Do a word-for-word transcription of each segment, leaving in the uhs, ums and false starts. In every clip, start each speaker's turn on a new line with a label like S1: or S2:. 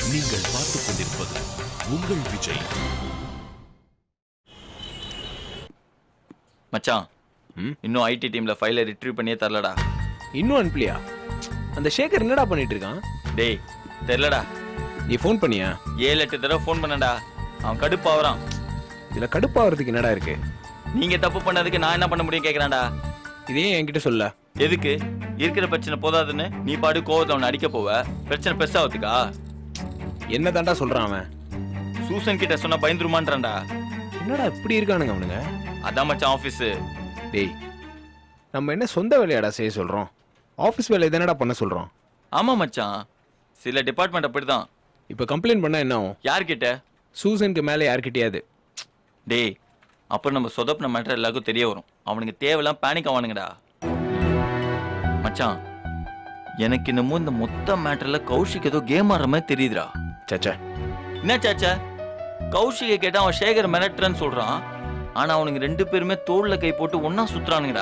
S1: நீங்கள் பார்த்துக் கொண்டிருப்பது உங்கள் விஜய்.
S2: மச்சான், இன்னும் ஐடி டீம்ல ஃபைலை ரிட்ரீவ் பண்ணியே தரலடா.
S3: இன்னும் அனுப்பலையா? அந்த சேகர் என்னடா பண்ணிட்டு இருக்கான்?
S2: டேய் தெரியலடா.
S3: நீ ஃபோன் பண்ணியா?
S2: ஏழு எட்டு தடவை ஃபோன் பண்ணடா. அவன் கடுப்பாவறான்.
S3: இதுல கடுப்பாகிறதுக்கு என்னடா இருக்கு?
S2: நீங்க தப்பு பண்ணதுக்கு நான் என்ன பண்ண முடியும் கேக்குறான்டா.
S3: இதே என்கிட்ட சொல்ல.
S2: எதுக்கு? இருக்கிற பிரச்சனை போதாதுன்னு நீ பாடு கோவத்தை அவனை அடிக்க போவ. பிரச்சனை பெருசாவதுக்கா?
S3: என்ன தாண்டா சொல்றான் அவன்?
S2: சூசன் கிட்ட சொன்னா பயந்துருமான்றான்டா.
S3: என்னடா இப்படி இருக்கானுங்க அவனுங்க?
S2: அதான் மச்சான் ஆபீஸ்.
S3: டேய், நம்ம என்ன சொந்த வேலையாடா செய்ய சொல்றோம்? ஆபீஸ் வேலை என்னடா பண்ண சொல்றோம்?
S2: ஆமா மச்சான், சில டிபார்ட்மெண்ட் அப்படிதான்.
S3: இப்ப கம்ப்ளைண்ட் பண்ணா என்ன ஆகும்?
S2: யார்கிட்ட?
S3: சூசனுக்கு மேல யார்கிட்டயாவது.
S2: டேய், அப்புறம் நம்ம சொதப்பின மேட்டர் எல்லாருக்கும் தெரிய வரும். அவனுக்கு தேவையெல்லாம் பேனிக் ஆவானுங்கடா. மச்சான், எனக்கு இன்னமும் இந்த மொத்த மேட்டர்ல கௌஷிக் ஏதோ கேம் ஆடுற மாதிரி தெரியுதுடா.
S3: சச்சா,
S2: என்ன சாச்சா? கௌஷிகை கேட்டா அவன் சேகர் மிரட்டுறன்னு சொல்றான். ஆனா அவனுக்கு ரெண்டு பேருமே தோல்ல கை போட்டு ஒன்னா சுத்துறானுங்கடா.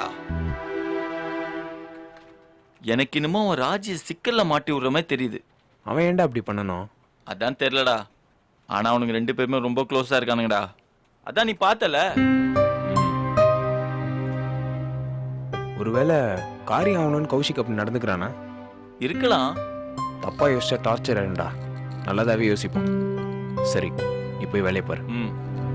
S2: எனக்கு இன்னமும் அவன் ராஜி சிக்கல்ல மாட்டி விடுற மாதிரி தெரியுது.
S3: அவன் ஏன்டா அப்படி பண்ணணும்?
S2: அதான் தெரியலடா. ஆனா அவனுக்கு ரெண்டு பேருமே ரொம்ப க்ளோஸா இருக்கானுங்கடா. அதான் நீ பார்த்தல.
S3: ஒருவேளை காரியம் ஆகணும்னு கௌஷிக் அப்படி நடந்துக்கிறானா?
S2: இருக்கலாம்.
S3: தப்பா யோசிச்சா டார்ச்சர் ஆயிடும்டா. நல்லதாவே யோசிப்போம். சரி, நீ போய் வேலையை பாரு.
S2: ம்.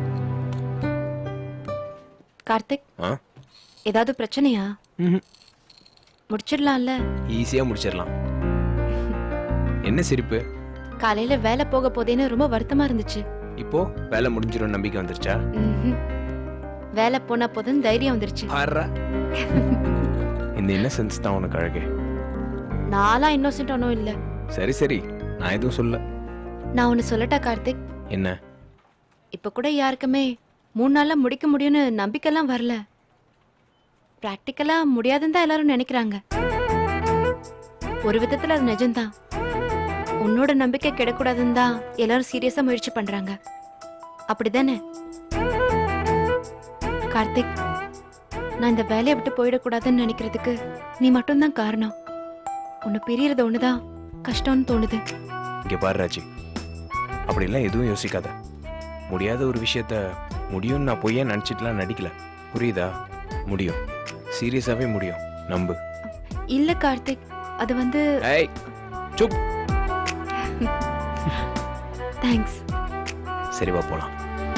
S4: கார்த்திக்,
S3: ஆ?
S4: ஏதாவது பிரச்சனையா?
S3: ம்ஹும்.
S4: முடிச்சிடலாம்ல?
S3: ஈஸியா முடிச்சிடலாம். என்ன சிரிப்பு?
S4: காலையில வேலை போக போதேன்னு ரொம்ப வருத்தமா இருந்துச்சு.
S3: இப்போ வேலை முடிஞ்சிடும் நம்பிக்கை வந்துருச்சா?
S4: ம்ஹும். வேலை போனா போதும் தைரியம் வந்துருச்சு.
S3: ஆறா. இந்த இன்னசென்ஸ் தான் உனக்கு அழகு.
S4: நானா இன்னோசென்ட் ஒன்னும் இல்ல.
S3: சரி சரி, நான் எதுவும் சொல்ல.
S4: நான் ஒன்னு சொல்லட்டா கார்த்திக்?
S3: என்ன?
S4: இப்ப கூட யாருக்குமே மூணு நாள்ல முடிக்க முடியும்னு நம்பிக்கைலாம் வரல. பிராக்டிக்கலா முடியாதுன்னு தான் எல்லாரும் நினைக்கிறாங்க. ஒரு விதத்துல அது நிஜம்தான். உன்னோட நம்பிக்கை கிடக்கூடாதுன்னு தான் எல்லாரும் சீரியஸா முயற்சி பண்றாங்க. அப்படிதானே கார்த்திக்? நான் இந்த வேலையை விட்டு போயிடக்கூடாதுன்னு நினைக்கிறதுக்கு நீ மட்டும்தான் காரணம். உன்னை பிரியறது ஒண்ணுதான் கஷ்டம்னு தோணுது.
S3: இங்க பாரு ராஜி, அப்படிலாம் எதுவும் யோசிக்காத. முடியாத ஒரு விஷயத்த முடியும்னு நான் பொய்யா நினைச்சிட்டுலாம் நடிக்கல. புரியுதா? முடியும், சீரியஸாவே முடியும், நம்பு.
S4: இல்ல கார்த்திக், அது வந்து.
S3: ஏய் சுப்.
S4: தேங்க்ஸ்.
S3: சரி வா போலாம்.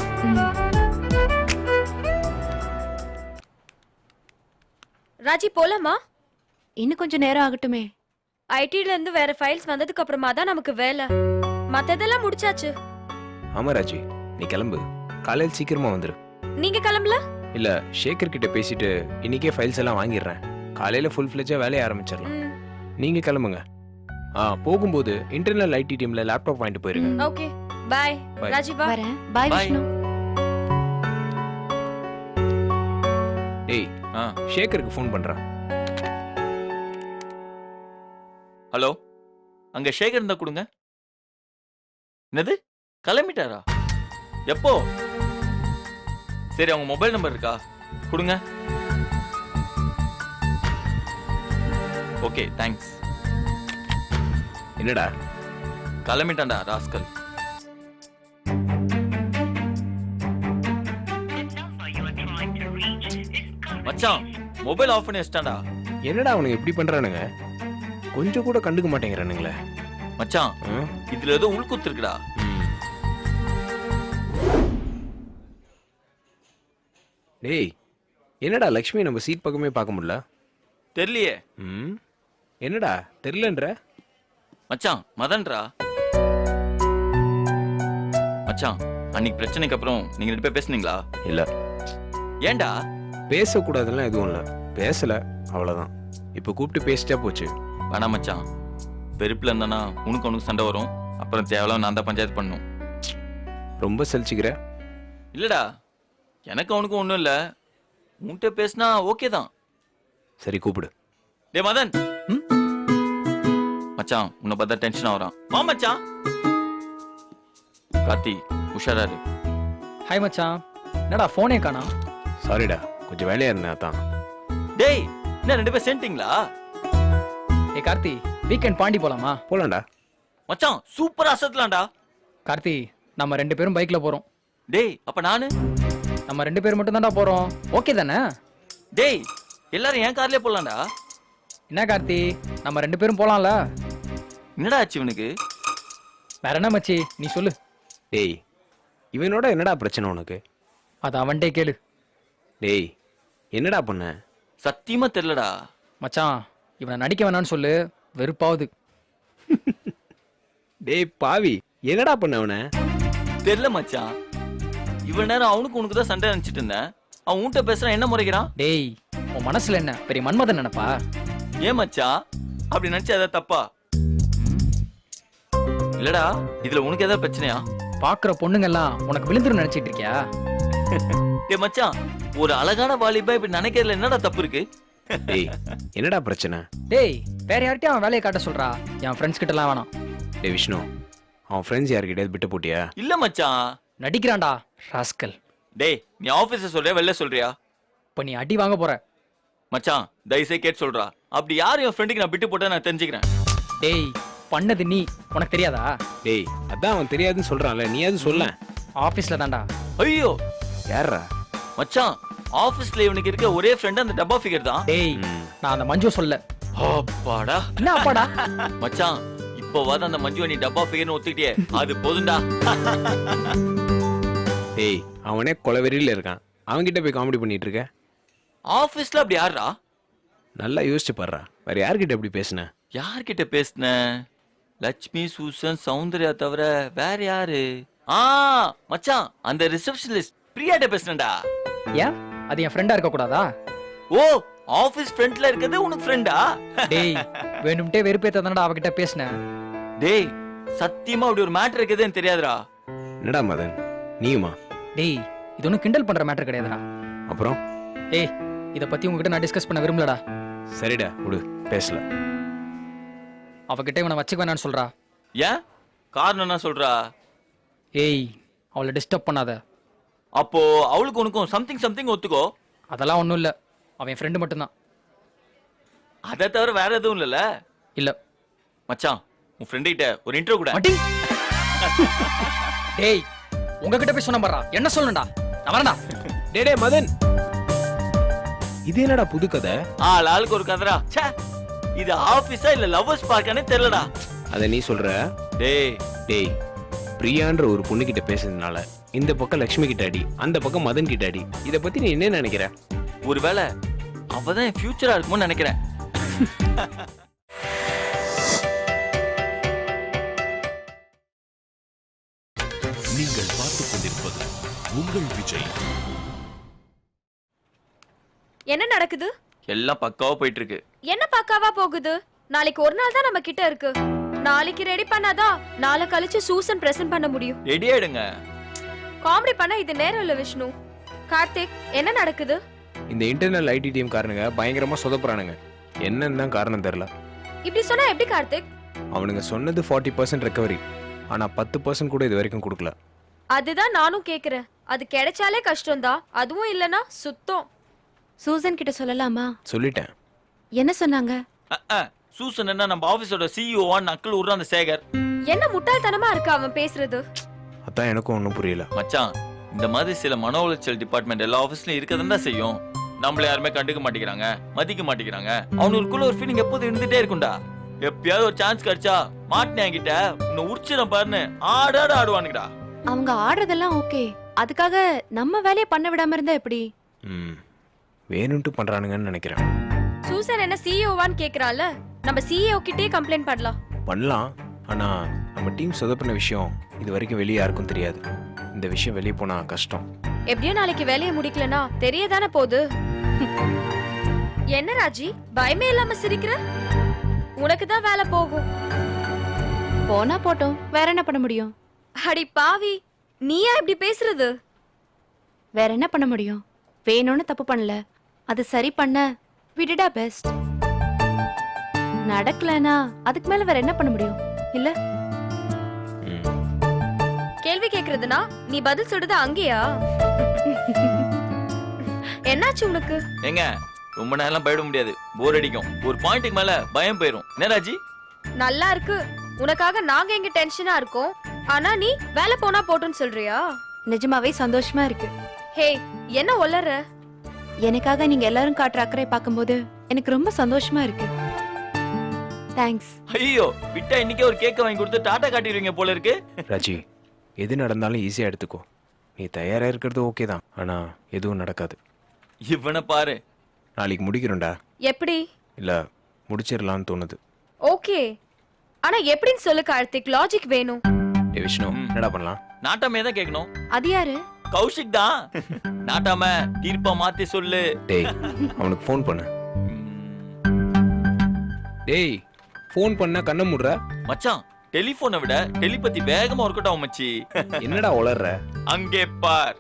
S5: ராஜி போலாமா?
S4: இன்னும் கொஞ்சம் நேரம் ஆகட்டுமே.
S5: ஐடில இருந்து வேற ஃபைல்ஸ் வந்ததுக்கு அப்புறமா தான் நமக்கு வேலை. மத்ததெல்லாம் முடிச்சாச்சு.
S3: ஆமா ராஜி, நீ கிளம்பு. காலையில் சீக்கிரமா வந்துரு.
S5: நீங்க கிளம்பல?
S3: இல்ல, சேகர் கிட்ட பேசிட்டு இன்னைக்கே ஃபைல்ஸ் எல்லாம் வாங்கிடுறேன். காலையில ஃபுல் ஃபிளெஜ்ஜா வேலையை ஆரம்பிச்சிடலாம். நீங்க கிளம்புங்க. ஆ, போகும்போது இன்டர்னல் ஐடி டீம்ல லேப்டாப் வாங்கிட்டு போயிருங்க.
S5: Okay, by. ராஜி வா.
S4: வரேன். பை விஷ்ணு.
S3: டேய்,
S2: ஆ,
S3: சேகருக்கு ஃபோன் பண்றேன்.
S2: ஹலோ, அங்க சேகர் இருந்தா கொடுங்க. என்னது, கிளம்பிட்டாரா? எப்போ? சரி, அவங்க மொபைல் நம்பர் இருக்கா? கொடுங்க. Okay, thanks.
S3: என்னடா?
S2: கிளம்பிட்டான்டா ராஸ்கல். மச்சான், மொபைல் ஆஃப் பண்ணி வச்சிட்டான்டா.
S3: என்னடா அவனுக்கு எப்படி பண்றானுங்க? கொஞ்சம் கூட கண்டுக்க மாட்டேங்கிறானுங்களே.
S2: மச்சான்,
S3: ஆ?
S2: இதுல ஏதோ உள்குத்து இருக்குடா.
S3: ம். டேய், என்னடா லக்ஷ்மி நம்ம சீட் பக்கமே பார்க்க முடியல?
S2: தெரியலையே.
S3: ம், என்னடா தெரியலன்ற?
S2: மச்சான், மதன்ரா. மச்சான், அன்னைக்கு பிரச்சனைக்கு அப்புறம் நீங்க ரெண்டு பேர் பேசுனீங்களா?
S3: இல்ல.
S2: ஏன்டா?
S3: பேசக்கூடாதுலாம் எதுவும் இல்ல, பேசல, அவ்வளவுதான். இப்ப கூப்பிட்டு பேசிட்டா போச்சு.
S2: வேணாம் மச்சான், வெறுப்புல இருந்தானா உனக்கு உனக்கு சண்டை வரும். அப்புறம் தேவையில்லாம நான் தான் பஞ்சாயத்து பண்ணும்.
S3: ரொம்ப சலிச்சுக்கிற?
S2: இல்லடா, எனக்கு அவனுக்கும் ஒண்ணும் இல்ல. உன்கிட்ட பேசினா ஓகே தான்.
S3: சரி, கூப்பிடு.
S2: டே மதன். மச்சான், உன்னை பார்த்தா டென்ஷன் ஆகுறான். வா மச்சான். கார்த்தி, உஷாராரு.
S6: ஹாய் மச்சான், என்னடா ஃபோனே காணோம்?
S3: சாரிடா, கொஞ்சம் வேலையா இருந்தேன் அதான்.
S2: டேய், என்ன ரெண்டு பேர் சேர்ந்துட்டீங்களா?
S6: ஏ கார்த்தி, வீக்கெண்ட் பாண்டி போலாமா?
S3: போலாம்டா.
S2: மச்சான் சூப்பரா அசத்தலாம்டா.
S6: கார்த்தி நம்ம ரெண்டு பேரும் பைக்ல போறோம்.
S2: டேய் அப்ப நானு?
S6: நம்ம ரெண்டு பேர் மட்டும் தான்டா போறோம். ஓகே தானே?
S2: டேய் எல்லாரும் என் கார்லயே போலாம்டா.
S6: என்ன கார்த்தி, நம்ம ரெண்டு பேரும் போலாம்ல?
S2: என்னடா ஆச்சு இவனுக்கு?
S6: வேற என்ன மச்சி, நீ சொல்லு.
S3: டேய் இவனோட என்னடா பிரச்சனை உனக்கு?
S6: அது அவன்டே கேளு.
S3: டேய் என்னடா பண்ண?
S2: சத்தியமா தெரியலடா.
S6: மச்சான் இவனை நடிக்க வேணான்னு சொல்லு, வெறுப்பாவது.
S3: டேய் பாவி என்னடா பண்ண அவனை?
S2: தெரியல மச்சான். இவ்வளவு நேரம் அவனுக்கு உனக்கு தான் சண்டை நினைச்சிட்டு இருந்தேன். அவன் உன்கிட்ட பேசுறான், என்ன முறைக்கிறான்?
S6: டேய் உன் மனசுல என்ன பெரிய மன்மதன் நினைப்பா?
S2: ஏன் மச்சான் அப்படி நினைச்சா ஏதாவது தப்பா? இல்லடா இதுல உனக்கு ஏதாவது பிரச்சனையா?
S6: பாக்குற பொண்ணுங்கெல்லாம் உனக்கு விழுந்துரும் நினைச்சிட்டு இருக்கியா?
S2: டேய் மச்சான் ஒரு அழகான வாலிபா இப்படி நினைக்கிறதுல என்னடா தப்பு இருக்கு?
S3: டேய் என்னடா பிரச்சனை?
S6: டேய் வேற யார்கிட்டயும் அவன் வேலையை காட்ட சொல்றா, என் ஃப்ரெண்ட்ஸ் கிட்ட எல்லாம் வேணாம்.
S3: டேய் விஷ்ணு, அவன் ஃப்ரெண்ட்ஸ் யார்கிட்டயாவது விட்டு போட்டியா?
S2: இல்ல மச்சான்.
S6: நடிக்கிறான்டா ராஸ்கல்.
S2: டேய் நீ ஆபீஸ்ல சொல்றியா வெளில சொல்றியா?
S6: இப்ப நீ அடி வாங்க போற.
S2: மச்சான் தயவுசே கேட்டு சொல்றா. அப்படி யார் என் ஃப்ரெண்டுக்கு நான் விட்டு போட்டா நான் தெரிஞ்சுக்கிறேன்.
S6: டேய் பண்ணது நீ, உனக்கு தெரியாதா?
S3: டேய் அதான் அவன் தெரியாதுன்னு சொல்றான்ல, நீ அது சொல்ல.
S6: ஆபீஸ்ல தான்டா.
S2: ஐயோ
S3: யாரா?
S2: மச்சான் ஆபீஸ்ல இவனுக்கு இருக்க ஒரே ஃப்ரெண்ட் அந்த டப்பா ஃபிகர் தான்.
S6: டேய் நான் அந்த மஞ்சு சொல்ல.
S2: அப்பாடா.
S6: என்ன அப்பாடா?
S2: மச்சான் இப்போவாது அந்த மஞ்சு நீ டப்பா ஃபிகர்னு ஒத்துக்கிட்டியே, அது போதும்டா.
S3: டேய் அவனே கொலவெறியில இருக்கான், அவன்கிட்ட போய் காமெடி பண்ணிட்டு இருக்க?
S2: ஆபீஸ்ல அப்படி யாரா?
S3: நல்லா யோசிச்சு பாடுறா, வேற யார்கிட்ட எப்படி பேசுன?
S2: யார்கிட்ட பேசுன? லட்சுமி, சூசன், சௌந்தர்யா தவிர வேற யாரு? ஆ மச்சான் அந்த ரிசப்ஷனிஸ்ட் பிரியாட்ட பேசுனடா.
S6: ஏன் அது என் ஃப்ரெண்டா இருக்க கூடாதா?
S2: ஓ ஆபீஸ் ஃப்ரெண்ட்ல இருக்கிறது உனக்கு ஃப்ரெண்டா?
S6: டேய் வேணும்ட்டே வெறுப்பேத்த தானடா அவகிட்ட பேசுனேன்.
S2: டேய் சத்தியமா அப்படி ஒரு மேட்டர் இருக்குதுன்னு தெரியாதுடா.
S3: என்னடா மதன் நீயுமா?
S6: டேய் இது ஒன்னும் கிண்டல் பண்ற மேட்டர் கிடையாதுடா.
S3: அப்புறம்?
S6: ஏய் இத பத்தி உங்ககிட்ட நான் டிஸ்கஸ் பண்ண விரும்பலடா.
S3: சரிடா விடு, பேசல.
S6: அவகிட்ட இவனை வச்சுக்க வேணான்னு சொல்றா.
S2: ஏன் காரணம் என்ன சொல்றா?
S6: ஏய் அவளை டிஸ்டர்ப் பண்ணாத.
S2: அப்போ அவளுக்கு உனக்கும் சம்திங் சம்திங் ஒத்துக்கோ.
S6: அதெல்லாம் ஒண்ணும் இல்ல, அவன் ஃப்ரெண்டு மட்டும்தான்.
S2: அதை தவிர வேற எதுவும் இல்லல?
S6: இல்ல
S2: மச்சான் உன் ஃப்ரெண்ட் கிட்ட ஒரு இன்ட்ரோ கூட.
S6: மட்டி. டேய் உங்ககிட்ட போய் சொன்ன பாறா, என்ன சொல்லணும்டா? நான் வரேன்டா.
S3: டேய் டேய் மதன், இது என்னடா புது கதை?
S2: ஆள் ஆளுக்கு ஒரு கதரா. ச்சே இது ஆபீஸா இல்ல லவ்வர்ஸ் பார்க்கானே தெரியலடா.
S3: அத நீ சொல்ற?
S2: டேய்
S3: டேய் பிரியான்ற ஒரு பொண்ணு கிட்ட பேசுறதுனால இந்த பக்கம் லட்சுமி கிட்ட அடி, அந்த பக்கம் மதன் கிட்ட அடி. இத பத்தி நீ என்ன நினைக்கிற?
S2: ஒருவேளை அவதான் என் ஃபியூச்சரா இருக்கும்னு நினைக்கிறேன்.
S1: நீங்கள் பார்த்துக் கொண்டிருப்பது உங்கள் விஜய்.
S5: என்ன நடக்குது?
S2: எல்லாம் பக்காவா போயிட்டு இருக்கு.
S5: என்ன பக்காவா போகுது? நாளைக்கு ஒரு நாள் தான் நம்ம கிட்ட இருக்கு. நாளைக்கு ரெடி பண்ணாதான் நாளை கழிச்சு சூசன் பிரசன்ட் பண்ண முடியும்.
S2: ரெடி ஆயிடுங்க.
S5: காமெடி பண்ண இது நேரம் இல்ல விஷ்ணு. கார்த்திக் என்ன நடக்குது?
S3: இந்த இன்டர்னல் ஐடி டீம் காரணங்க பயங்கரமா சொதப்புறானுங்க. என்னன்னு தான் காரணம் தெரியல.
S5: இப்படி சொன்னா எப்படி கார்த்திக்?
S3: அவனுங்க சொன்னது ஃபார்ட்டி பர்சன்ட் ரெக்கவரி, ஆனா பத்து பர்சன்ட் கூட இது வரைக்கும் கொடுக்கல.
S5: அதுதான் நானும் கேக்குறேன். அது கிடைச்சாலே கஷ்டம்தான், அதுவும் இல்லனா சுத்தம்.
S4: சூசன் கிட்ட சொல்லலாமா?
S3: சொல்லிட்டேன்.
S4: என்ன சொன்னாங்க?
S2: அஹ், அஹ். சூசன் என்ன நம்ம ஆபீஸோட சிஇஓவான் நக்கல் விடுற அந்த சேகர்.
S5: என்ன முட்டாள்தனமா இருக்கு அவன் பேசுறது.
S3: அதான் எனக்கும் ஒன்றும் புரியல.
S2: மச்சான் இந்த மாதிரி சில மன உளைச்சல் டிபார்ட்மெண்ட் எல்லா ஆபீஸ்லயும் இருக்கதான் தான் செய்யும். நம்மள யாருமே கண்டுக்க மாட்டேங்கிறாங்க, மதிக்க மாட்டேங்கிறாங்க. அவனுக்குள்ள ஒரு ஃபீலிங் எப்போதும் இருந்துட்டே இருக்கும்டா. எப்பயாவது ஒரு சான்ஸ் கிடைச்சா மாட்டினே என்கிட்ட உன்னை உரிச்சிடும் பாருன்னு ஆடாட ஆடுவானுங்கடா.
S4: அவங்க ஆடுறதெல்லாம் ஓகே, அதுக்காக நம்ம வேலையை பண்ண விடாம இருந்தா எப்படி?
S3: ம் வேணும்ட்டு பண்றானுங்கன்னு நினைக்கிறேன்.
S5: சூசன் என்ன சிஇஓவான்னு கேக்குறால, நம்ம சிஇஓ கிட்டே கம்ப்ளைண்ட் பண்ணலாம்.
S3: பண்ணலாம், ஆனா நம்ம டீம் சொதப்பின விஷயம் இது வரைக்கும் வெளியே யாருக்கும் தெரியாது. இந்த விஷயம் வெளியே போனா கஷ்டம்.
S5: எப்படியும் நாளைக்கு வேலையை முடிக்கலனா தெரியதானே போகுது. என்ன ராஜி பயமே இல்லாம சிரிக்கிற? உனக்கு தான் வேலை போகும்.
S4: போனா போட்டோம், வேற என்ன பண்ண முடியும்?
S5: அடி பாவி, நீயா இப்படி பேசுறது?
S4: வேற என்ன பண்ண முடியும்? வேணும்னு தப்பு பண்ணல, அது சரி பண்ண விடுடா பெஸ்ட். நடக்கலனா அதுக்கு மேல வேற என்ன பண்ண முடியும் இல்ல?
S3: ம்.
S5: கேள்வி கேக்குறதுனா நீ பதில் சொல்றது அங்கேயா? என்னாச்சு உனக்கு?
S2: ஏங்க ரொம்ப நேரம் போயிட முடியாது, போர் அடிக்கும். ஒரு பாயிண்ட்டுக்கு மேல பயம் போயிரும். என்ன ராஜி?
S5: நல்லா இருக்கு. உனக்காக நாங்க எங்க டென்ஷனா இருக்கோம், ஆனா நீ வேலை போனா போட்டுன்னு சொல்றியா?
S4: நிஜமாவே சந்தோஷமா இருக்கு.
S5: ஹே, என்ன ஒல்லற?
S4: எனக்காக நீங்க எல்லாரும் காட்டுற அக்கறை பார்க்கும்போது எனக்கு ரொம்ப சந்தோஷமா இருக்கு. தேங்க்ஸ்.
S2: ஐயோ விட்டா இன்னைக்கே ஒரு கேக்க வாங்கி கொடுத்து டாடா காட்டிடுவீங்க போல இருக்கு.
S3: ராஜி, எது நடந்தாலும் ஈஸியாக எடுத்துக்கோ. நீ தயாராக இருக்கிறது ஓகே தான், ஆனால் எதுவும் நடக்காது.
S2: இவனை பாரு.
S3: நாளைக்கு முடிக்கிறோம்டா.
S5: எப்படி?
S3: இல்லை முடிச்சிடலான்னு தோணுது.
S5: ஓகே, ஆனா எப்படின்னு சொல்லு கார்த்திக், லாஜிக் வேணும்.
S3: ஏ விஷ்ணு,
S2: ம்.
S3: என்னடா பண்ணலாம்?
S2: நாட்டாமே தான் கேட்கணும்.
S4: அது யாரு?
S2: கௌஷிக் தான். நாட்டாம தீர்ப்பா மாத்தி சொல்லு.
S3: டேய், அவனுக்கு ஃபோன் பண்ணு.
S2: ம்,
S3: டேய், ஃபோன் பண்ணா கண்ணை மூடுற.
S2: மச்சான் டெலிபோனை விட டெலிபதி வேகமா ஒர்க் அவுட் ஆகும் மச்சி.
S3: என்னடா உளர்ற?
S2: அங்கே பார்.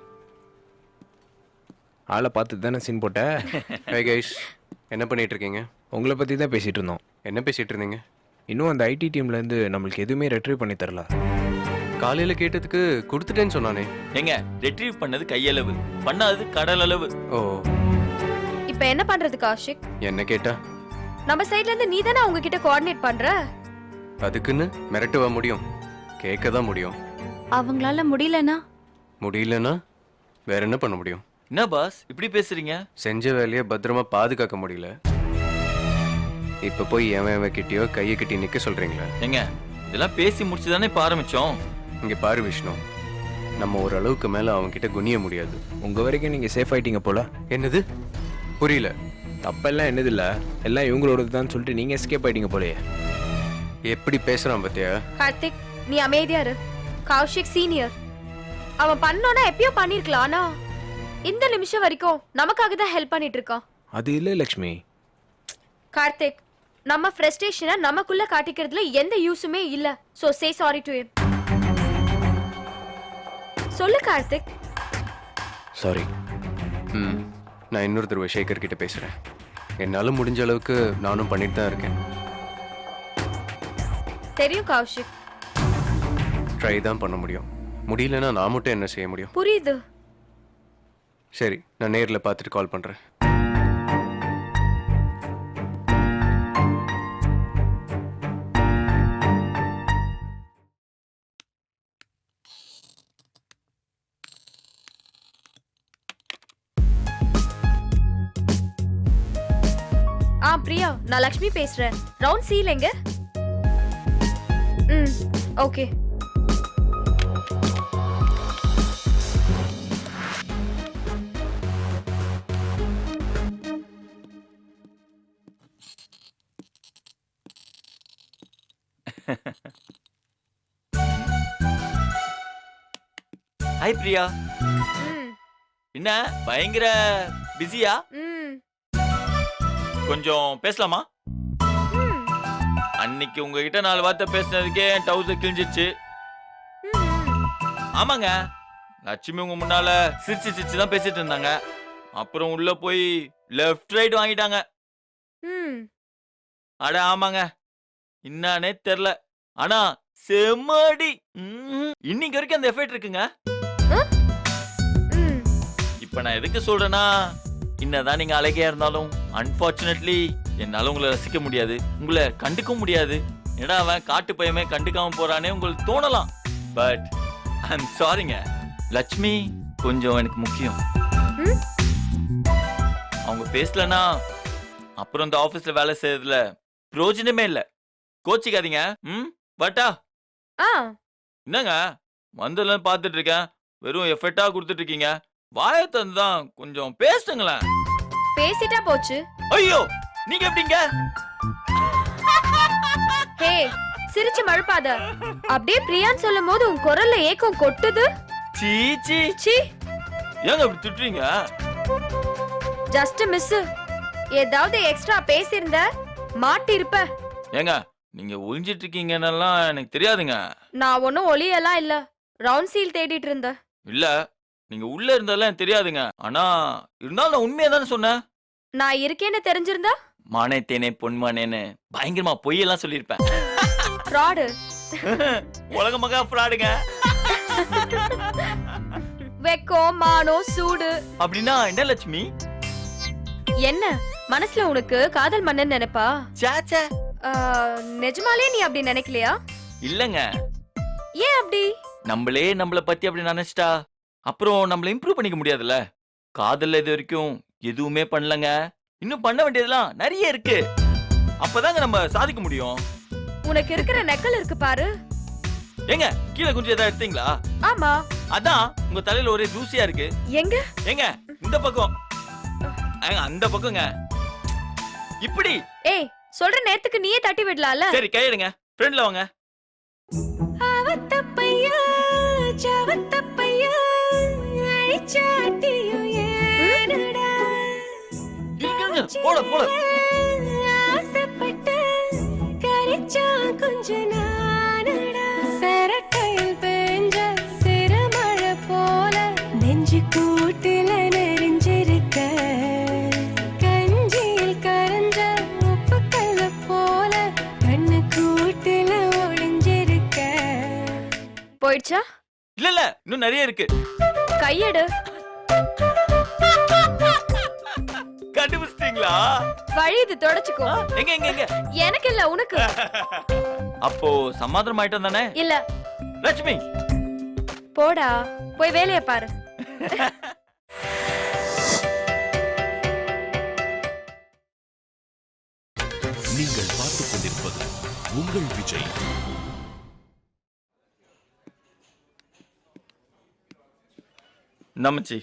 S3: ஆளை பார்த்து தானே சீன் போட்ட.
S7: ஹே கைஸ், என்ன பண்ணிட்டு இருக்கீங்க?
S3: உங்களை பற்றி தான் பேசிகிட்டு இருந்தோம்.
S7: என்ன பேசிட்டு இருந்தீங்க?
S3: இன்னும் அந்த ஐடி டீம்லேருந்து நம்மளுக்கு எதுவுமே ரெட்ரீவ் பண்ணி தரல.
S7: காலையில கேட்டதுக்கு கொடுத்துட்டேன்னு சொன்னானே.
S2: எங்க ரெட்ரீவ் பண்ணது கையளவு, பண்ணாதது கடல் அளவு.
S7: ஓ,
S5: இப்ப என்ன பண்றது கௌஷிக்?
S7: என்ன கேட்டா?
S5: நம்ம சைடுல இருந்து நீ தானே அவங்க கிட்ட கோஆர்டினேட் பண்ற.
S7: அதுக்குன்னு மிரட்டுவா முடியும்? கேட்க தான் முடியும்.
S4: அவங்களால முடியலனா?
S7: முடியலன்னா வேற என்ன பண்ண முடியும்?
S2: என்ன பாஸ் இப்படி பேசுறீங்க?
S7: செஞ்ச வேலையை பத்திரமா பாதுகாக்க முடியல, இப்ப போய் எவன் எவன் கிட்டயோ கையை கட்டி நிக்க சொல்றீங்களா?
S2: எங்க இதெல்லாம் பேசி முடிச்சுதானே இப்ப ஆரம்பிச்சோம்.
S7: இங்க பாரு விஷ்ணு, நம்ம ஓரளவுக்கு மேல அவங்க கிட்ட குனிய முடியாது.
S3: உங்கள் வரைக்கும் நீங்கள் சேஃப் ஆயிட்டீங்க போல.
S7: என்னது? புரியல.
S3: தப்பெல்லாம் என்னது இல்லை, எல்லாம் இவங்களோடது தான் சொல்லிட்டு நீங்கள் எஸ்கேப் ஆயிட்டீங்க போலயே.
S7: எப்படி பேசுறான் பத்தியா?
S5: கார்த்திக், நீ அமைதியா இரு. கௌஷிக் சீனியர், அவன் பண்ணோன்னா எப்பயோ பண்ணிருக்கலாம், ஆனா இந்த நிமிஷம் வரைக்கும் நமக்காக தான் ஹெல்ப் பண்ணிட்டு இருக்கான்.
S3: அது இல்லை லக்ஷ்மி.
S5: கார்த்திக், நம்ம ஃப்ரஸ்ட்ரேஷனை நமக்குள்ள காட்டிக்கிறதுல எந்த யூஸுமே இல்ல. So say sorry to him. சொல்லு கார்த்திக்.
S3: சாரி.
S7: ம், நான் இன்னொரு தடவை சேகர் கிட்ட பேசுறேன். என்னால முடிஞ்ச அளவுக்கு நானும் பண்ணிட்டு தான் இருக்கேன்.
S5: தெரியும் கௌஷிக்.
S7: ட்ரை தான் பண்ண முடியும். முடியலன்னா நான் மட்டும் என்ன செய்ய முடியும்?
S5: புரியுது.
S7: சரி, நான் நேர்ல பார்த்துட்டு கால் பண்றேன்.
S5: ஆ பிரியா, நான் லக்ஷ்மி பேசுறேன். ரவுண்ட் சீல் எங்க? ம், ஓகே.
S2: ஹாய் பிரியா.
S5: ம்,
S2: என்ன பயங்கர பிஸியா?
S5: ம்,
S2: கொஞ்சம் பேசலாமா?
S5: ம்,
S2: அன்னைக்கு உங்ககிட்ட நாலு வார்த்தை பேசினதுக்கே டவுசர் கிழிஞ்சிச்சு.
S5: ம்.
S2: ஆமாங்க, லட்சுமி உங்க முன்னால சிரிச்சு சிரிச்சு தான் பேசிட்டு இருந்தாங்க. அப்புறம் உள்ள போய் லெஃப்ட் ரைட் வாங்கிட்டாங்க.
S5: ம்.
S2: அட ஆமாங்க, என்னன்னே தெரியல, ஆனா செம்மடி. ம்ம். இன்னைக்கு வரைக்கும் அந்த எஃபெக்ட் இருக்குங்க.
S5: ம்.
S2: இப்ப நான் எதுக்கு சொல்றேன்னா, என்னதான் நீங்க அழகியா இருந்தாலும் அன்பார்ச்சுனேட்லி என்னால உங்களை ரசிக்க முடியாது, உங்களை கண்டுக்க முடியாது. ஏன்னா அவன் காட்டு பையமே கண்டுக்காம போறானே உங்களுக்கு தோணலாம். பட் ஐ எம் சாரிங்க, லட்சுமி கொஞ்சம் எனக்கு முக்கியம்.
S5: ம்?
S2: அவங்க பேசலனா அப்புறம் இந்த ஆபீஸ்ல வேலை செய்யறதுல பிரயோஜனமே இல்ல. கோச்சிக்காதீங்க. ம் பட்டா
S5: ஆ,
S2: என்னங்க வந்ததுல பாத்துட்டு இருக்கேன், வெறும் எஃபெக்டா கொடுத்துட்டு இருக்கீங்க. வாயை தந்து தான் கொஞ்சம் பேசுங்களேன்.
S5: பேசிட்டா போச்சு.
S2: ஐயோ நீங்க எப்படிங்க?
S5: ஹே, சிரிச்சு மழுப்பாத. அப்படியே பிரியான்னு சொல்லும் போது உன் குரல்ல ஏக்கம் கொட்டுது.
S2: சீச்சி,
S5: சி,
S2: ஏங்க இப்படி திட்டுறீங்க?
S5: Just miss. ஏதாவது எக்ஸ்ட்ரா பேசியிருந்த மாட்டி இருப்ப.
S2: ஏங்க நீங்க ஒளிஞ்சிட்டு இருக்கீங்கன்னெல்லாம் எனக்கு தெரியாதுங்க.
S5: நான் ஒன்னும் ஒளியெல்லாம் இல்ல, ரவுண்ட் சீல் தேடிட்டு இருந்த.
S2: இல்ல நீங்க உள்ள இருந்தெல்லாம் எனக்கு தெரியாதுங்க. ஆனா இருந்தாலும் நான் உண்மையா தானே சொன்னேன்.
S5: நான் இருக்கேன்னு தெரிஞ்சிருந்தா
S2: மானே தேனே பொன்மானேன்னு பயங்கரமா பொய்யெல்லாம் சொல்லியிருப்பேன்.
S5: ஃப்ராடு.
S2: உலக மகா ஃப்ராடுங்க.
S5: வெக்கம், மானம், சூடு.
S2: அப்படின்னா என்ன லட்சுமி?
S5: என்ன மனசுல உனக்கு காதல் மன்னன் நினைப்பா?
S2: சாச்சா,
S5: ஆ, நிஜமாலே நீ அப்படி நினைக்கலையா?
S2: இல்லங்க,
S5: ஏன் அப்படி?
S2: நம்மளே நம்மள பத்தி அப்படி நினைச்சிட்டா அப்புறம் நம்மள இம்ப்ரூவ் பண்ணிக்க முடியாதுல்ல. காதல்ல இது வரைக்கும் எதுவுமே பண்ணலங்க. இன்னும் பண்ண வேண்டியதெல்லாம் நிறைய இருக்கு. அப்பதாங்க நம்ம சாதிக்க முடியும்.
S5: உனக்கு இருக்கிற நெக்கல் இருக்கு பாரு.
S2: ஏங்க கீழே கொஞ்சம் ஏதாவது எடுத்தீங்களா?
S5: ஆமா.
S2: அதான் உங்க தலையில ஒரே தூசியா இருக்கு.
S5: எங்க?
S2: ஏங்க இந்த பக்கம். ஏங்க அந்த பக்கங்க. இப்படி.
S5: ஏய், சொல்ற நேரத்துக்கு நீயே தட்டி விடலாம்ல.
S2: சரி கையெடுங்க. ஃப்ரெண்ட்ல வாங்க.
S8: அவத்தப்பையா ஜவத்தப்பையா ஐச்சாட்டியோ ஏனடா
S2: இருங்க போட போட.
S8: ஆசைப்பட்டு கரிச்சா கொஞ்ச நானடா சரட்டையில் பெஞ்ச சிறுமழை போல நெஞ்சு கூட்டில நெறிஞ்சிருக்க கஞ்சியில் கரைஞ்ச உப்பு கல்ல போல கண்ணு கூட்டில ஒளிஞ்சிருக்க.
S5: போயிடுச்சா?
S2: இல்ல இல்ல இன்னும் நிறைய இருக்கு.
S5: கையெடு.
S2: கண்டுபிடிச்சிட்டீங்களா?
S5: வழி இது தொடச்சுக்கோ.
S2: எங்க எங்க எங்க?
S5: எனக்கு இல்ல, உனக்கு.
S2: அப்போ சமாதானம் ஆயிட்டோம் தானே?
S5: இல்ல.
S2: லட்சுமி
S5: போடா, போய் வேலைய பாரு.
S1: நீங்கள் பார்த்துக் கொண்டிருப்பது உங்கள் விஜய்.
S2: நம்மச்சி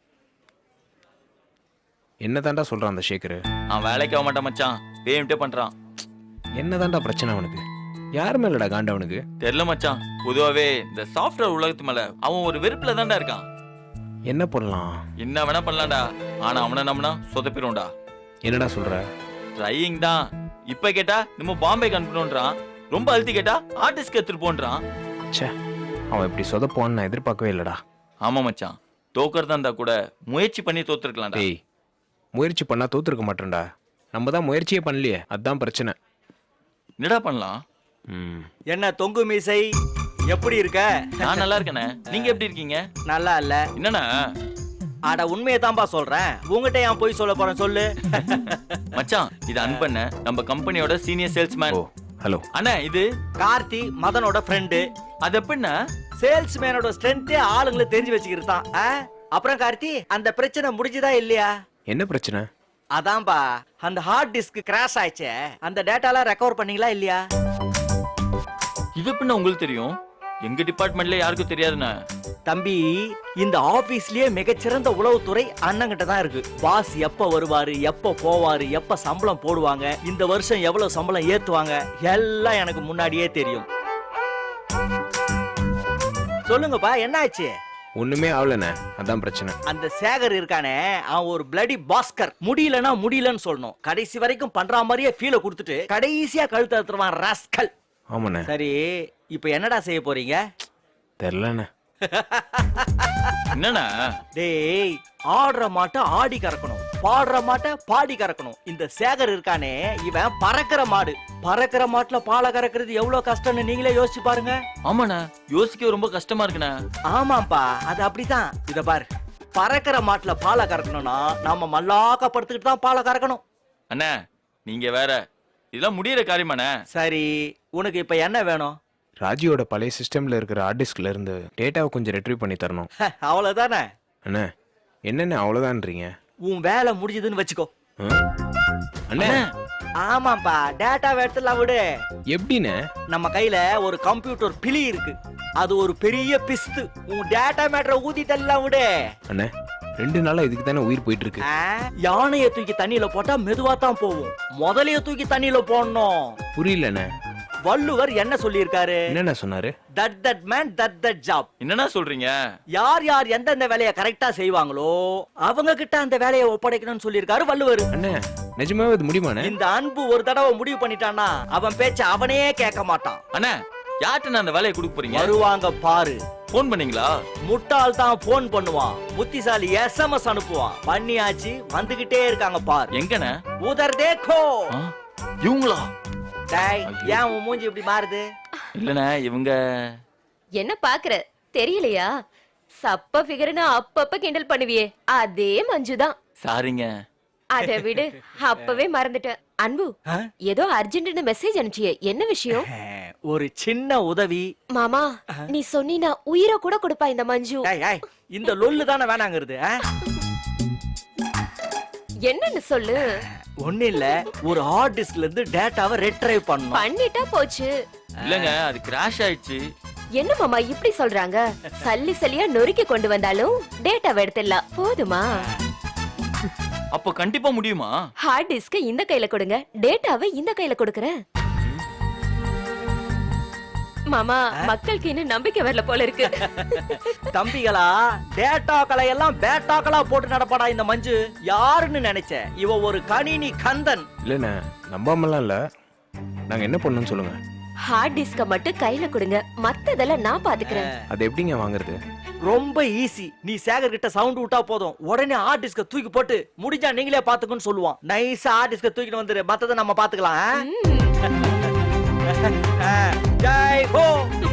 S3: என்ன தாண்டா சொல்றான் அந்த ஷேக்கரு?
S2: அவன் வேலைக்கு ஆக மாட்டான் மச்சான். பேமிட்டே பண்றான்.
S3: என்ன தாண்டா பிரச்சனை அவனுக்கு? யார் மேலடா காண்ட அவனுக்கு?
S2: தெரியல மச்சான். பொதுவாவே இந்த சாஃப்ட்வேர் உலகத்து மேல அவன் ஒரு வெறுப்புல தான்டா இருக்கான்.
S3: என்ன பண்ணலாம்?
S2: என்ன வேணா பண்ணலாம்டா. ஆனா அவனை நம்பினா சொதப்பிடும்டா.
S3: என்னடா சொல்ற?
S2: ட்ரையிங் தான். இப்ப கேட்டா நம்ம பாம்பேக்கு அனுப்பணும்ன்றான். ரொம்ப அழுத்தி கேட்டா ஆர்டிஸ்ட்க்கு எடுத்துட்டு போன்றான்.
S3: ச்சே, அவன் இப்படி சொதப்பான்னு நான் எதிர்பார்க்கவே இல்லடா.
S2: ஆமா மச்சான், தோக்கறதா இருந்தா கூட முயற்சி பண்ணி தோத்துருக்கலாம்டா.
S3: டேய், முயற்சி பண்ணா தோத்துருக்க மாட்டேன்டா. நம்ம தான் முயற்சியே பண்ணலையே, அதான் பிரச்சனை.
S2: என்னடா பண்ணலாம்?
S3: ம்
S9: என்ன தொங்கு மீசை, எப்படி இருக்க?
S2: நான் நல்லா இருக்கேனே, நீங்க எப்படி இருக்கீங்க?
S9: நல்லா இல்ல.
S2: என்னண்ணா?
S9: அட உண்மையை தான்பா சொல்றேன். உங்ககிட்ட ஏன் போய் சொல்ல போறேன் சொல்லு.
S2: மச்சான் இது அன்பண்ண, நம்ம கம்பெனியோட சீனியர் சேல்ஸ்மேன்.
S3: ஓ ஹலோ
S2: அண்ணா இது
S9: கார்த்தி மதனோட ஃப்ரெண்டு.
S2: அது எப்படின்னா
S9: சேல்ஸ்மேனோட ஸ்ட்ரென்த்தே ஆளுங்களை தெரிஞ்சு வச்சுக்கிட்டான். அப்புறம் கார்த்தி, அந்த பிரச்சனை முடிஞ்சுதா இல்லையா?
S3: என்ன பிரச்சனை?
S9: அதான்பா, அந்த ஹார்ட் டிஸ்க் கிராஷ் ஆயிடுச்சே, அந்த டேட்டாலாம் ரெக்கவர் பண்ணீங்களா இல்லையா?
S2: இது எப்படின்னா உங்களுக்கு தெரியும்? எங்க டிபார்ட்மெண்ட்ல யாருக்கும் தெரியாதுண்ணா.
S9: தம்பி, இந்த ஆபீஸ்லயே மிகச்சிறந்த உளவுத்துறை அண்ணங்கிட்ட தான் இருக்கு. பாஸ் எப்ப வருவாரு, எப்ப போவாரு, எப்ப சம்பளம் போடுவாங்க, இந்த வருஷம் எவ்வளவு சம்பளம் ஏத்துவாங்க, எல்லாம் எனக்கு முன்னாடியே தெரியும். சொல்லுங்கப்பா, என்ன ஆச்சு?
S3: ஒண்ணுமே ஆகலண்ணே, அதான் பிரச்சனை.
S9: அந்த சேகர் இருக்கானே, அவன் ஒரு பிளடி பாஸ்கர். முடியலன்னா முடியலன்னு சொல்லணும். கடைசி வரைக்கும் பண்ற மாதிரியே ஃபீல கொடுத்துட்டு கடைசியா கழுத்து அறுத்துருவான் ராஸ்கல்.
S3: ஆமாண்ணே.
S9: சரி, இப்ப என்னடா செய்ய போறீங்க?
S3: தெரிலண்ணே.
S2: என்னண்ணா?
S9: டேய், ஆடுற மாட்ட ஆடி கறக்கணும், பாடுற மாட்ட பாடி கறக்கணும். இந்த சேகர் இருக்கானே, இவன் பறக்கிற மாடு. பறக்கிற மாட்டுல பாலை கறக்கிறது எவ்வளவு கஷ்டம்னு நீங்களே யோசிச்சு பாருங்க.
S2: ஆமாண்ணா, யோசிக்க ரொம்ப கஷ்டமா இருக்குண்ணா.
S9: ஆமாப்பா, அது அப்படிதான். இத பாரு, பறக்கிற மாட்டுல பாலை கறக்கணும்னா நாம மல்லாக்க படுத்துக்கிட்டு தான் பாலை கறக்கணும்.
S2: அண்ணா நீங்க வேற, இதெல்லாம் முடியற காரியமாண்ணே.
S9: சரி, உனக்கு இப்ப என்ன வேணும்?
S3: ராஜியோட பழைய சிஸ்டம்ல இருக்கிற ஹார்ட் டிஸ்க்ல இருந்து டேட்டாவை கொஞ்சம் ரெட்ரீவ் பண்ணி தரணும்.
S9: அவ்வளவுதானே?
S3: அண்ணே, என்னென்ன அவ்வளவுதான்றீங்க?
S9: உன் வேலை முடிஞ்சதுன்னு வச்சுக்கோ.
S3: அண்ணே,
S9: ஆமாப்பா, டேட்டாவை எடுத்துலாம் விடு.
S3: எப்படிண்ணே?
S9: நம்ம கையில ஒரு கம்ப்யூட்டர் பிலி இருக்கு, அது ஒரு பெரிய பிஸ்து. உன் டேட்டா மேட்டரை ஊதி தள்ளலாம் விடு.
S3: அண்ணே, ரெண்டு நாளா இதுக்கு தானே உயிர் போயிட்டு இருக்கு.
S9: யானைய தூக்கி தண்ணியில போட்டா மெதுவா தான் போகும், முதலைய தூக்கி தண்ணியில போடணும்.
S3: புரியலண்ணே.
S9: வள்ளுவர் என்ன சொல்லியிருக்காரு?
S3: என்னென்ன சொன்னாரு?
S9: That that man that that job.
S2: என்னண்ணா சொல்றீங்க?
S9: யார் யார் எந்தெந்த வேலையை கரெக்டா செய்வாங்களோ அவங்க கிட்ட அந்த வேலையை ஒப்படைக்கணும்னு சொல்லியிருக்காரு வள்ளுவர்.
S3: அண்ணே, நிஜமாவே இது முடியுமாண்ணே?
S9: இந்த அன்பு ஒரு தடவை முடிவு பண்ணிட்டான்னா அவன் பேச்ச அவனே கேட்க மாட்டான்.
S2: அண்ணா, யார்கிட்ட அந்த வேலையை கொடுக்க போறீங்க?
S9: வருவாங்க பாரு.
S2: போன் பண்ணீங்களா?
S9: முட்டாள் தான் போன் பண்ணுவான், புத்திசாலி எஸ்எம்எஸ் அனுப்புவான். பண்ணியாச்சு, வந்துகிட்டே இருக்காங்க பாரு.
S2: எங்கண்ணா?
S9: உதர் தேக்கோ.
S2: இவங்களா?
S9: டேய், ஏன் உன் மூஞ்சி இப்படி மாறுது?
S2: இல்லண்ணா, இவங்க
S10: என்ன பாக்குற, தெரியலையா? சப்ப ஃபிகர்னு அப்பப்ப கிண்டல் பண்ணுவியே, அதே மஞ்சுதான்.
S2: சாரிங்க.
S10: அத விடு, அப்பவே மறந்துட்டேன். அன்பு, ஏதோ அர்ஜென்ட்னு மெசேஜ் அனுப்பிச்சியே, என்ன விஷயம்?
S9: ஒரு சின்ன உதவி.
S10: மாமா நீ சொன்னீனா உயிரை கூட கொடுப்பா இந்த மஞ்சு.
S9: ஏய் ஏய் இந்த லொல்லு தானே வேணாங்கிறது.
S10: என்னன்னு சொல்லு.
S9: ஒண்ணு இல்ல, ஒரு ஹார்ட் டிஸ்க்ல இருந்து டேட்டாவை ரெட்ரைவ் பண்ணனும்.
S10: பண்ணிட்டா போச்சு.
S2: இல்லங்க அது கிராஷ் ஆயிடுச்சு.
S10: என்ன மாமா இப்படி சொல்றாங்க? சல்லி சல்லியா நொறுக்கி கொண்டு வந்தாலும் டேட்டாவை எடுத்துடலாம் போதுமா?
S2: அப்ப கண்டிப்பா முடியுமா?
S10: ஹார்ட் டிஸ்க் இந்த கையில கொடுங்க, டேட்டாவை இந்த கையில கொடுக்கறேன். மாமா மக்களுக்கு இன்னும் நம்பிக்கை வரல போல இருக்கு.
S9: தம்பிகளா, டேட்டாக்களை எல்லாம் பேட்டாக்களா போட்டு நடப்பாடா இந்த மஞ்சு. யாருன்னு நினைச்ச? இவ ஒரு கணினி கந்தன்.
S3: இல்லைண்ணே, நம்பாமலாம் இல்லை. நாங்கள் என்ன பண்ணணும்னு சொல்லுங்க.
S10: ஹார்ட் டிஸ்க மட்டும் கையில கொடுங்க, மத்ததெல்லாம் நான் பாத்துக்கிறேன்.
S3: அது எப்படிங்க வாங்குறது?
S9: ரொம்ப ஈஸி. நீ சேகர் கிட்ட சவுண்ட் விட்டா போதும், உடனே ஹார்ட் டிஸ்க தூக்கி போட்டு முடிஞ்சா நீங்களே பாத்துக்கன்னு சொல்லுவான். நைஸா ஹார்ட் டிஸ்க தூக்கிட்டு வந்துரு, மத்தத நம்ம பாத்துக்கலாம். ஜெய் ஹோ.